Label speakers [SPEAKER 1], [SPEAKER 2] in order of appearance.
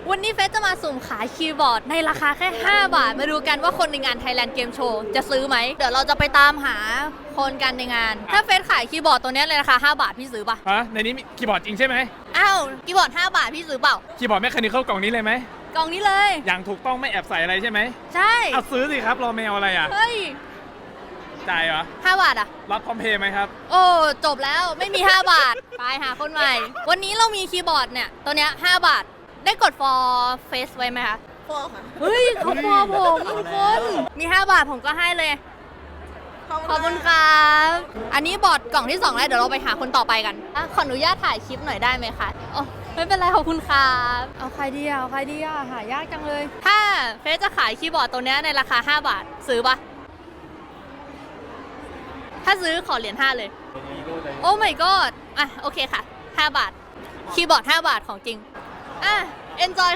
[SPEAKER 1] วันนี้เฟสจะมาสุ่มขายคีย์บอร์ดในราคาแค่5 บาทมาดูกันว่าคนในงาน Thailand Game Show จะซื้อไหมเดี๋ยวเราจะไปตามหาคนกันในงานถ้าเฟสขายคีย์บอร์ดตัวนี้ในราคา5 บาทพี่ซื้อปะ
[SPEAKER 2] ฮะในนี้มีคีย์บอร์ดจริงใช่ไหม
[SPEAKER 1] อ้าวคีย์บอร์ด5 บาทพี่ซื้อเปล่า
[SPEAKER 2] คีย์บอร์ดแมคคานิคอลกล่องนี้เลยไหม
[SPEAKER 1] กล่องนี้เลย
[SPEAKER 2] อย่างถูกต้องไม่แอบใส่อะไรใช่ไหม
[SPEAKER 1] ใช่
[SPEAKER 2] เอาซื้อสิครับรอแมวอะไรอ่ะ
[SPEAKER 1] เฮ้ย
[SPEAKER 2] จ่ายเหรอ
[SPEAKER 1] 5 บาทอะ
[SPEAKER 2] รับพร้อมเพย์ไหมครับ
[SPEAKER 1] โอ้จบแล้วไม่มี5 บาทไปหาคนใหม่วันนี้เรามีคีย์บอร์ดเนี่ยตัวเนี้ย5 บาทได้กด for face ไว้ไหมคะ
[SPEAKER 3] พอค่ะ
[SPEAKER 1] เฮ้ยเขาพอผมทุกคนมี5 บาทผมก็ให้เลย ขอบคุณครับอันนี้บอร์ดกล่องที่2แล้วเดี๋ยวเราไปหาคนต่อไปกันอ่ะขออนุญาตถ่ายคลิปหน่อยได้ไหมคะอ๋อไม่เป็นไรขอบคุณครับเอาใครดีอ่ะเอาใครดีอ่ะหายากจังเลย ถ้าเฟซจะขายคีย์บอร์ดตัวเนี้ยในราคา5 บาทซื้อปะถ้าซื้อขอเหรียญ5เลยโอ้ my god อ่ะโอเคค่ะ5 บาทคีย์บอร์ด5 บาทของจริงอ่ะ enjoy